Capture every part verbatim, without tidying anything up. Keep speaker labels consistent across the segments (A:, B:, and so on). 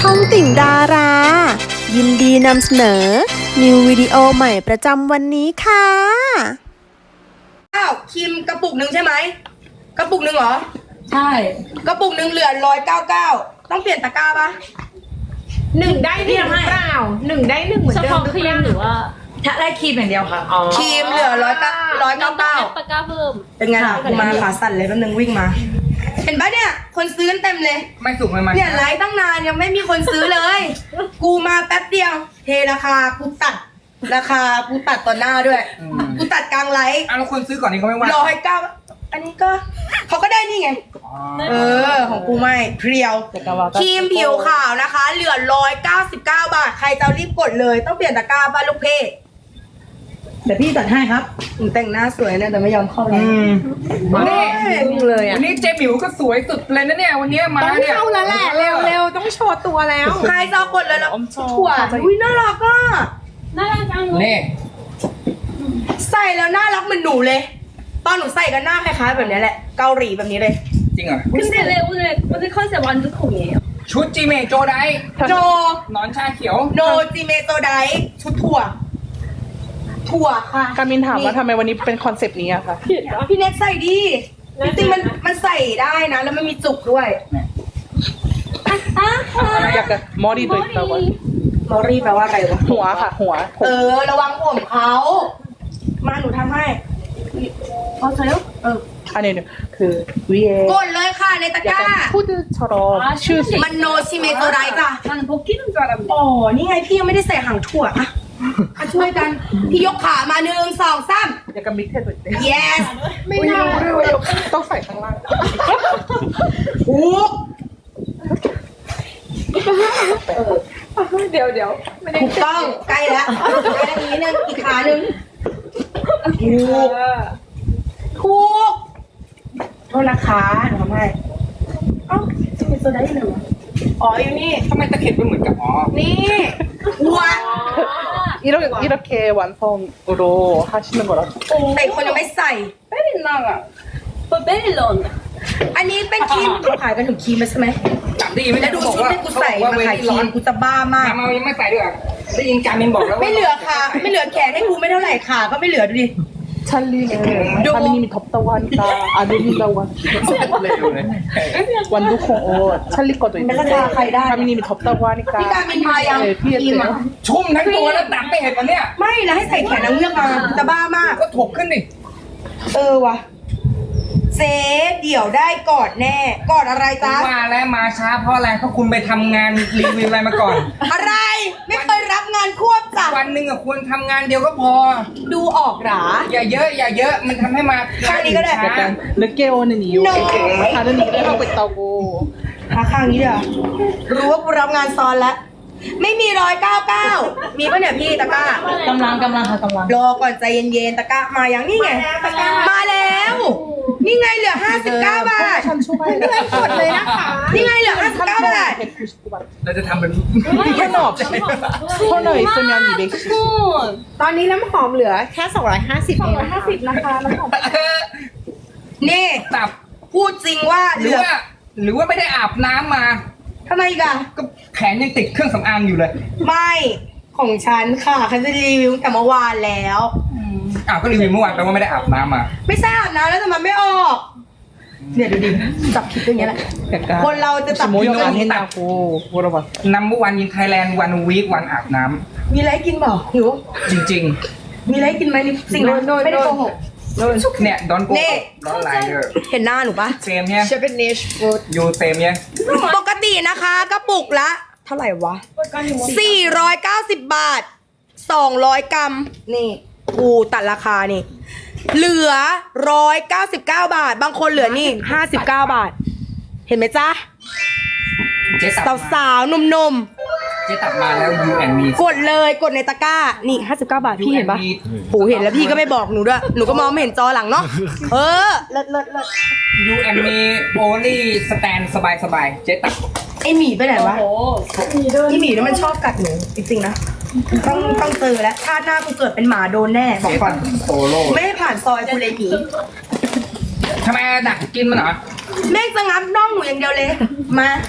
A: องติ่งดารา ยินดีนำเสนอ นิววิดีโอใหม่ประจำวันนี้ค่ะ
B: อ้าวครีมกระปุกหนึ่งใช่ไหมกระปุกหนึ่งเหรอ
C: ใช่
B: กระปุกหนึ่งเหลือร้อยเก้าเก้าต้องเปลี่ยนตะกร้าปะ
D: หนึ่งได้หนึ่งหรือเปล่าหนึ่งได้หนึ่งเหมือน
C: เฉ
D: เดิม
C: พาะ
D: หรือ
C: ครี
D: เป
C: ม
D: ล่า
C: หรือว่า
D: ถ้าได้ครีมอย่างเดียวค่ะอ๋อ
B: ครีมเหลือร้อยเก้าร้อยเก้าเก้า
C: ตะกร้าเพิ่ม
B: เป็นไงล่ะกูมาขาสั่นเลยแป๊บนึงวิ่งมา เห็นปะเนี่ย คนซื้อกันเต็มเลย
E: ไม่สุกไม่มัน
B: เนี่ยไลฟ์ตั้งนานยังไม่มีคนซื้อเลย กูมาแป๊บเดียว เทราคากูตัด ราคากูตัดต่อหน้าด้วย กูตัดกลางไลฟ์
E: อ่ะแล้วคนซื้อก่อนนี้เขาไม่ว่า
B: ร้อยเก้าอันนี้ก็เขาก็ได้นี่ไง
E: อ๋อ
B: เออ ของกูไม่เพรียวครีมผิวขาวนะคะ เหลือร้อยเก้าสิบเก้าบาท ใครจะรีบกดเลย ต้องเปลี่ยนตะกร้าบ้านลูกเพจเดี๋ยวพี่ตัดให้ครับผมแต่งหน้าสวยนะแต่ไม่ยอมเข้าเลย
E: อืมนี่
D: จริงเลยอ่ะ
E: วันนี้เจ๊หมิวก็สวยสุดเลยนะเนี่ยวันนี้มา
D: ต้อง
E: เนี่ย
D: เข้าแล้วแหละเร็วเร็วต้องโชว์ตัวแล้ว
B: ใครจะเอากดเลยแล้วถั่วอุ้ยน่ารักอ่ะ
C: น่ารักจังเลย
E: นี่
B: ใส่แล้วน่ารักเหมือนหนูเลย ตอนหนูใส่กันหน้าคล้ายๆแบบนี้แหละ เกาหลีแบบนี้เลย
E: จริงเหรอ
C: 근데 왜 오늘 오늘 컨셉 완전 콩이에요.
E: ชุดจีเมโจได
B: โจ
E: หนอนชาเขียว
B: โนจิเมโตไดชุดถั่ว ถั่วค่ะ
F: การมินถามว่าทำไมวันนี้เป็นคอนเซปต์นี้อะคะ
B: พี่เน็ตใส่ดีจริงๆมันมันใส่ได้นะ แล้วมันมีจุกด้วย
F: อยากจะมอดีตัวอีกตัวก่อน
B: มอรี่แปลว่าอะไรวะ
F: หัวค่ะ หัว
B: เออ ระวังผมเขามาหนูทำให้เอาใส่แล้วเออ
F: อันนี้เนี่ยคือวีเอก
B: ดเลยค่ะในตะก
F: อยาก
B: ร้า
F: จะพูดชรอชื่อสิ
B: มันโนชิเมโตไดจ้ะ
C: 나는 벗기는 줄 알았는데.
B: อ๋อ นี่ไงพี่ยังไม่ได้ใส่หางถั่วอะมาช่วยกัน พี่ยกขามาหนึ่งสองสาม
F: อยากจะมิกเทสตัวเอง
B: yes
F: ไม่รู้ด้วยว่ายกต้องใส่ข้างล่าง
B: ถูก
D: เดี๋ยวเดี๋ยวไม่ได้
B: ถูกต้องใกล้แล้วใกล้แล้วอีกนิดนึงอีกขาหนึ่งถูกถูกโทษนะคะหนูทำให้เอ้าจะเป็นโซดาได้เหรออ๋ออยู่นี่
E: ทำไมตะเข็บไม่เหมือนกับอ๋อ
B: นี่หัว
F: 이렇게 이렇게 완성으로 하시는 거라
B: แต่คนยังไม่ใส่
C: 베릴라가. 뭐 베릴런.
B: อันนี้เป็นครีมเขาขายกันถึงครีมใช่ไหม
E: จับดีไม่
B: แล้
E: ได้
B: วดู
E: บอก
B: ชุด
E: ว่า
B: ที่กูใส่
E: เขบอก
B: มา
E: ว่า
B: ขาย
E: เว
B: ค
E: ที
B: รี
E: ร้อน
B: มกูจะบ้ามาก
E: มายังไม่ใส่ด้วยอ่ะได้ยินการมินบอกแล้วว่า
B: ไม่เหลือขาไม่เหลือแขนให้กูไม่เท่าไหร่ขาก็ไม่เหลือดูดิ
F: 찰리는
B: 요.
F: 하미님이 덥다고 하니까 안 올린다고 하니까
E: เลยดูเลย
F: 완두콩 옷 찰리 거도 있는데
B: 맨날 다 가이다.
F: 하미님이 덥다고 하니까
B: พี่การมินทายัง
F: 네
B: ครีม
F: 피했대요
B: อะ
E: ชุ่มทั้งตัวแล้วตัดไม่เห็นวันเนี้ย
B: ไม่แล้วให้ใส่แขนนางเงือกมาจะบ้ามาก
E: ก็ถกขึ้นดิ
B: เออว่ะเจ๊เดี๋ยวได้กอดแน่กอดอะไรจ๊ะ
E: ว่าแล้วมาช้าเพราะอะไรเพราะคุณไปทำงานรีวิวอะไรมาก่อน
B: อะไรไม่เคยรับงานควบจ้ะ
E: วันหนึ่งอะควรทำงานเดียวก็พอ
B: ดูออกหรา
E: อย่าเยอะอย่าเยอะมันทำให้มา
B: ข้างนี้ก็ได้
E: ช้า
F: 약간 늦게 오는 이유
B: No.
F: 다른 일을 하고 있다고
B: หาข้างนี้เดี๋ยวรู้ว่ากูรับงานซ้อนแล้วไม่มีร้อยเก้าเก้ามีปะเนี่ยพี่ตะกร้าก
D: ำลังกำลังค่ะกำลัง
B: รอก่อนใจเย็นๆตะกร้ามาอย่างนี่ไงมาแล้ว นี่ไงเหลือห้าสิบเก้าบาท
F: 천 초과해
B: กดเลยนะคะนี่ไงเหลือห้าสิบเก้าบาท
F: 백구십구 원
E: เราจะทำเป็น
F: 토너 없이 토너 있으면 이백십
C: 돈.
D: ตอนนี้น้ำหอมเหลือแค่สองร้อยห้าสิบเองนะคะ
C: นะคะน้ำหอม
B: นี่
E: ตับ
B: พูดจริงว่า
E: ห
B: เห
E: รื
B: ลื
E: อ
B: อ
E: ว่า หรือว่าไม่ได้อาบน้ำมา
B: ทำไมอีกอะ
E: ก็แขนยังติดเครื่องสำอางอยู่เลย
B: ไม่ของฉันค่ะฉันจะรีวิวตั้งแต่เมื่อวานแล้ว
E: อ้าวก็รีวิวเมื่อวานแปลว่าไม่ได้อาบน้ำมา
B: ไม่ทราบนะแล้วทำไมไม่ออก เนี่ยดูดิจับผิดอย่างเงี้ยแหละ
F: 약간
B: คนเราจะจับ
F: 혹시
B: ผิด
F: 모욕 안 했냐고 물어봤어
E: นัมเบอร์วันยินไทยแลนด์วันวีควันอาบน้
B: มีอะไรให้กินเปล่าหิว
E: ำจริง
B: มีอะไรให้กินไหมนี่สิ่งนั้นไม่ได้โกหก
E: ๆ เนี่ยดอนโก
B: นี่
E: ดอนไลเดอร์
B: เห็นหน้าหนูปะ
E: เซมเนี่ย
D: เชฟเป็นเนชฟูด
E: ยูเซมเนี่ย
B: ปกตินะคะกระปุกละ เท่าไหร่วะ สี่ร้อยเก้าสิบบาท สองร้อยกรัม นี่กูตัดราคานี่ เหลือหนึ่งร้อยเก้าสิบเก้าบาท บางคนเหลือนี่ห้าสิบเก้าบาท เห็นไหมจ๊ะ
E: เจ๊ตับ
B: สาว
E: มา
B: สาวๆหนุ่ม
E: เจ๊ตับมาแล้วยูแอนมี
B: ๆ กดเลยกดในตะกร้า นี่ห้าสิบเก้าบาท พี่เห็นปะโหเห็นแล้วพี่ก็ไม่บอกหนูด้วย หนูก็มองไม่เห็นจอหลังเนาะ เออ เลิศเลิศเลิศ
E: ยูแอนมีโอลี่สแตนสบายสบายๆเจ๊ตับ
B: ไอหมีไปไหนวะ
C: 오.
B: ไอหมีนี่มันชอบกัดหนูจริงๆนะ ต้องต้องเจอแล้วชาติหน้ากูเกิดเป็นหมาโดนแน่บอก
E: เจ๊
B: ก่
E: ตั
B: อน
E: บโซโล่
B: ไม่ให้ผ่านซอยกูเลยหมี
E: ทำไมดักกินมันเหรอ
B: แม่งจะงับน่องหนูอย่างเดียวเลย มา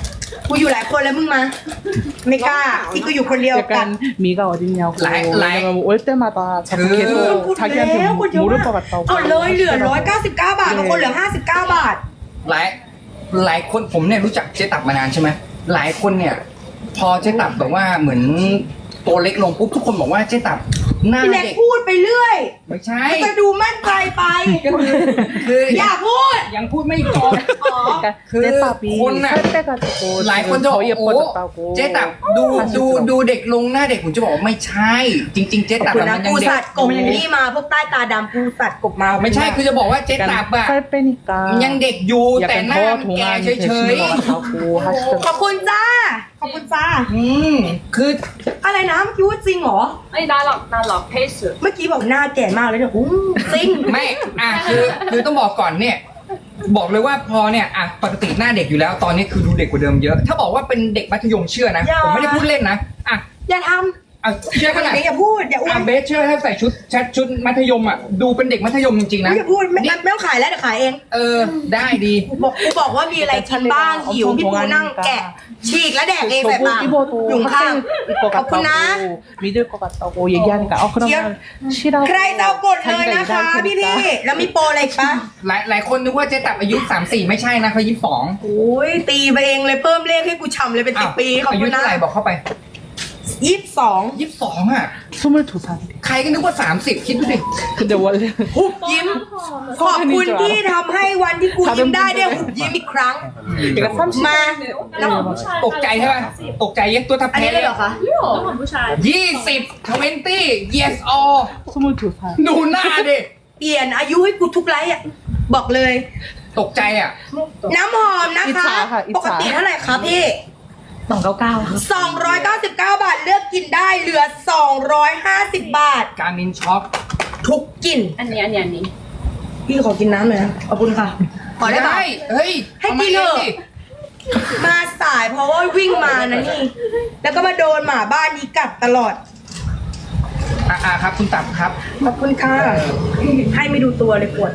B: กูอยู่หลายคนแล้วมึงมา ไม่กล้าที่กูอยู่คนเดียวกัน
F: 약간 미가 어딨냐고
E: 라이- 라이-
F: 왜냐면 올 때마다 자꾸
E: 그-
F: 계속
B: พูด
F: 자기한테
B: แล้วพูดเยอะ
F: 모를
B: มาก
F: 것 같다고
B: เอาเลยเหลือร้อยเก้าสิบเก้าบาทบางคนเหลือห้าสิบเก้าบาท
E: หลายหลายคนผมเนี่ยรู้จักเจ๊ตับมานานใช่ไหมหลายคนเนี่ย พอเจ๊ตับแบบว่าเหมือนตัวเล็กลงปุ๊บทุกคนบอกว่าเจ๊ตับหน้า
B: พี่แน็ก
E: เด็ก
B: พูดไปเรื่อย
E: ไม่ใช่
B: มันจะดูมั่นใจไป
E: ก็คือคือ
B: อย่าพูด
E: ยังพูดไม่จบ
B: อ๋อ
F: 그러니까
E: 그
F: 떼밥이
E: 콘-
F: 살 빼가지고
E: หลายคน
F: 지금
E: จะบอก
F: 더
E: โอ้
F: 예뻐졌다고
E: เจ๊ตับดูดูดูเด็กลงหน้าเด็กผมจะบอกว่าไม่ใช่ จริง ๆ เจ๊ตับ
B: คุณ
E: อะ
B: นะ
E: มันยัง
B: กู
E: เด็ก
B: สัตว์กบนี่มาพวกใต้ตาดำกูสัตว์กบมา
E: ไม่ใช่คือจะบอกว่าเจ๊ตับ
F: 약간
E: อะ
F: 살 빼니까
E: ยังเด็กอยู่แต่
F: 약간
E: หน้า
F: 더
E: แก
F: 동안
E: เฉ
F: 되시는
E: ย
F: 것 같다고
B: ขอบ
F: 하시더라고요
B: คุณจ้า ขอบคุณจ้า
E: ๆอืมคือ
B: อะไรนะเมื่อกี้ว่าจริงเหรอ
C: 아니 나락 나락 페이스
B: เมื่อกี้บอกหน้าแก่มากเลยเนี่ยอู้จริง
E: ไม่อ่ะคือคือต้องบอกก่อนเนี่ย บอกเลยว่าพอเนี่ยอ่ะปกติหน้าเด็กอยู่แล้วตอนนี้คือดูเด็กกว่าเดิมเยอะ ถ้าบอกว่าเป็นเด็กมัธยมเชื่อนะ
B: อย่า
E: ผมไม่ได้พูดเล่นนะอ่ะ
B: อย่าท
E: อ่ะเชื่อ
B: ำ
E: ขนาด
B: อย่าพูดอย่าอ้ว
E: อ่ะ
B: น
E: เบสเชื่อถ้าใส่ชุดชัดชุดมัธยมอ่ะดูเป็นเด็กมัธยมจริงๆนะ
B: อย่าพูดไม่ไม่ต้องขายแล้วเดี๋ยวขายเอง
E: เออได้ดี
B: บอกกูบอกว่ามีอะไรกินบ้างหิวพี่ปูนั่งแกะ ฉีกแล้วแดกเองใส่
F: 저보고
B: ปาก
F: 입어도
B: อยู่ข้าง
F: 학생일 것
B: ขอบคุณนะ
F: 같다고 믿을 것 같다고 얘기하니까 어 그러면 쉬라고
B: ใครจะเอากดเลยนะคะ พี่พี่ๆแล้วมีโปรอะไรอีกปะ
E: หลายหลายคนนึกว่าเจ๊ตับอายุสามสี่ไม่ใช่นะเขายี่สิบสอง
B: โอ้ยตีไปเองเลยเพิ่มเลขให้กูฉ่ำเลยเป็นสิบปีขอบ
E: อายุ
B: คุณนะ
E: เท่าไหร่บอกเข้าไป
B: ยี่สิบสอง
E: ยี่สิบสองอ่ะ
F: 스물두 살
E: ใครก็นึกว่าสามสิบคิดดูดิ
F: 근데 원래
B: หุบยิ้ม ขอบคุณที่ทำให้วันที่กูยิ้มได้ได้หุบยิ้มอีกครั้ง
F: 그러니까 삼십
B: มาแล้ว
E: ตกใจใช่ไหมตกใจยังตัวทับ
B: อัน
E: แพ้
B: นี้เลยเหรอคะ
C: 너무 무시해
E: ยี่สิบทเวนตี้ yes all
F: 스물두 살
E: ดูหน้าดิ
B: เปลี่ยนอายุให้กูทุกไลฟ์อ่ะ บอกเลย
E: ตกใจอ่ะ
B: น้ำหอมนะ
F: อิจ
B: คะ
F: ฉาค่ะอิจฉา
B: ปกติเท่าไหร่คะพี่สองเก้าเก้าสองร้อยเก้าสิบเก้าบาทเลือกกินได้เหลือสองร้อยห้าสิบบาท
E: การมินช็อป
B: ทุกกลิ่น
C: 아니 아니 아니
B: พี่ขอกินน้ำหน่อยนะขอบคุณค่ะ ขอได้ปะ
E: เฮ้ย
B: ให้
E: อามา
B: กินเถอะ
E: สิ
B: มาสายเพราะว่าวิ่งมานะนี่ แล้วก็มาโดนหมาบ้านนี้กัดตลอด
E: อ่ะอ่ะครับคุณตับครับ
B: ขอบคุณค่ะ ให้ไม่ดูตัวเลยปวด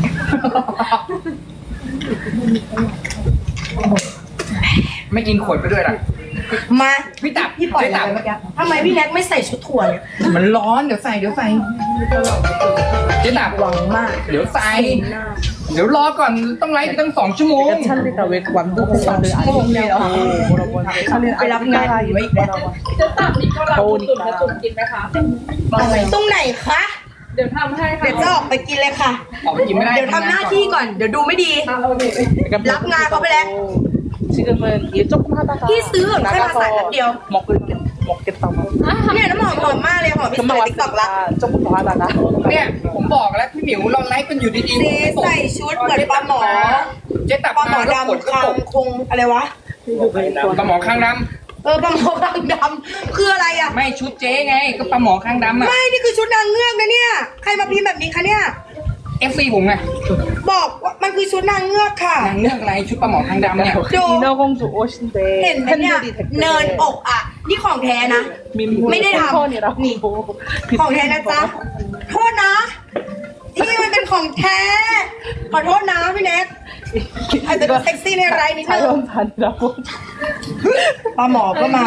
E: ไม่กินขวดไปด้วยล่ะ
B: มา
E: พี่ตับ
B: พี่ปล่อย
E: เจ๊
B: อะไร
E: ตับ
B: เมื่อกี้ทำไมพี่แน็กไม่ใส่ชุดถั่วเนี่ย
E: มันร้อนเดี๋ยวใส่เดี๋ยวใส่เจ๊ตับ
B: หวังมาก
E: เดี๋ยวใส่ เดี๋ยวรอก่อนต้องไลฟ์ไปตั้งสองชั่วโมง
F: 그러니까 찰리가 왜 완두콩밥을 안 먹냐고 뭐라고 하는데 찰리는
B: 왜
F: 아프리카가
B: 랍나? 왜 이래?
F: 더우니까
B: ตรงไหนคะ
C: เดี๋ยวทำให้
B: เดี๋ยวจะออกไปกินเลยค่ะ
E: ออกไปกินไม่ได้
B: เดี๋ยวทำหน้าที่ก่อน เดี๋ยวดูไม่ดี
F: 약간
B: 랍나 거블레.
F: 지금은 일 조금 하다가
B: 피스,
F: 나가서
B: 칼 맛
F: 먹을 먹겠다고
B: เนี่ยน้ำหอมหอมมากเลยหอมพี่
F: 금방
B: ติ๊กต็อกละ
F: 왔으니까 조금 더 하다가
E: เนี่ยผมบอกแล้วพี่หมิวเราไลฟ์กันอยู่ดี
B: เจ๊ใส่ชุดเหมือนปลาหมอ
E: เจ๊ตับ
B: ปลาหมอ
E: แล้วขวด
B: ดำ
E: ก็
B: คาง
E: ตก
B: คงอะไรวะ
E: ปลาหมอข้างด
B: เออปลาหมอคางดำคืออะไรอ่ะ
E: ำไม่ชุดเจ๊ไง ก็ปลาหมอข้างดำอ่ะ
B: ไม่ นี่คือชุดนางเงือกนะเนี่ย ใครมาพิมพ์แบบนี้คะเนี่ย
E: เอฟซีผมไง
B: บอกว่ามันคือชุดนางเงือกค่ะ
E: นางเลือกอะไรชุดปลาหมอข้างดำเนี่ย
F: 인어공주 옷인데
B: เห็นไหมเนี่ย
F: 팬들이
B: เนิน
F: 댓글에
B: อกอ่ะ นี่ของแท้นะ ไม่ได้ทำ
F: 팬컨이라고
B: นี่ ของแท้นะจ๊ะ โทษนะ นี่มันเป็นของแท้ ขอโทษนะพี่เน็กอาจจะดูเซ็กซี่ในไรนิดนึง
F: 자연산이라고
B: ปลาหมอก็มา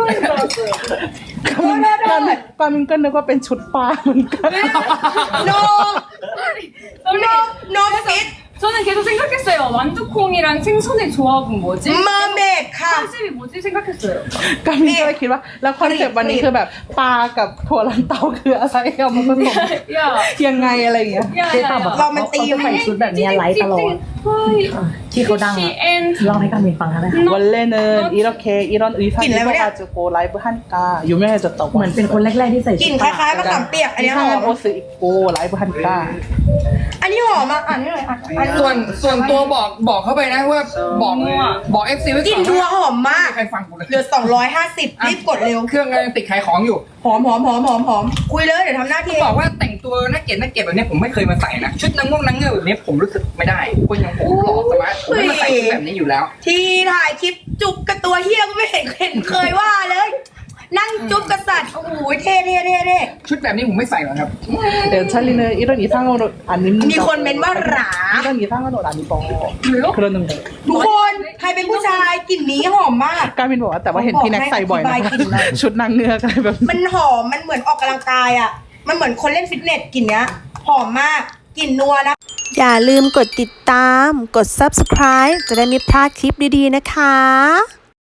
F: 까민 까민 끝내고 뺀 족바
B: no no no fit
C: 저는 계속 생각했어요. 완두콩이랑 생선의 조합은 뭐지?
B: mermaid ค่ะ
C: 컨셉이 뭐지 생각했어요.
F: 까민ก็เลยคิดว่าแล้วคอนเซ็ปต์วันนี้คือแบบปลากับถั่วลันเตาคืออะไรเอามาผสม
C: 야,
F: ยังไงอะไรอย่างเงี้ย
C: 야, 야, 야.
B: เรามันตีไม่
G: ชุดแบบเนี้ยไลฟ์ตลอด ที่เขาดังอะ
C: and
G: เล่าให้การมินฟังได้ไหมคะ
F: 원래는 이렇게 이런 의상
B: 긴 레벨이야?
F: 입어가지고 라이브 하니까 유명해졌다고
G: เหมือนเป็นคนแรก ๆ ที่ใส่
B: ก
G: ชุ
B: ลิ่
G: ด
B: นคล้ายๆมะขามเปียก อันนี้หอ
F: 이상한
B: ม
F: 옷을 입고 라이브 하니까
B: อันนี้หอมอ่ะอ่านนี่หน่อยอ่ะอันนี้
E: ส่วนส่วนตัวบอกบอกเข้าไปนะว่าบอกบอกเอฟซีไว้
B: กลิ่
E: ก่
B: น
E: อน
B: ดัว
E: ว่า
B: หอมมาก
E: ใครฟังกูเลย
B: เหลือสองร้อยห้าสิบรีบกดเร็ว
E: เครื่องกำลังติดขายของอยู่
B: หอมหอมหอมหอมหอมคุยเลยเดี๋ยวทำหน้าที่
E: บอกว่าแต่งตัวน่าเกลียดน่าเกลียดแบบเนี้ยผมไม่เคยมาใส่นะ ชุดนางง่วงนางเงือกแบบเนี้ยผมรู้สึกไม่ได้คนอย่างผมหล่อสมาร์ทผมไม่มาใส่ชุดแบบนี้อยู่แล้ว
B: ที่ถ่ายคลิปจุกกับตัวเฮียก็ไม่เห็นเห็นเคยว่าเลย นั่งจุ๊บกษัตริย์โอ้โหเท่เท่เท่เท่
E: ชุดแบบนี้ผมไม่ใส่หรอกครับ
F: เดี๋ยว찰리는 이런 이상한 옷 안 입는
B: มีคนเม้นว่าหรา
F: 이런 이상한 옷 안 입어
C: 왜요?
F: 그러는데
B: ทุกคน ใครเป็นผู้ชายกลิ่นนี้หอมมาก
F: 까민บอกว่าแต่ว่าเห็นพี่แน็กใส่บ่อย
B: บอกให้
F: นะ
B: อธิบายกลิ่นหน่อย
F: ชุดนางเงือกอะไรแบบนี้
B: มันหอม มันเหมือนออกกำลังกายอ่ะ มันเหมือนคนเล่นฟิตเนสกลิ่นเนี้ย หอมมาก กลิ่นนัวนะ
A: อย่าลืมกดติดตาม กด ซับสไครบ์ จะได้ไม่พลาดคลิปดีๆนะคะ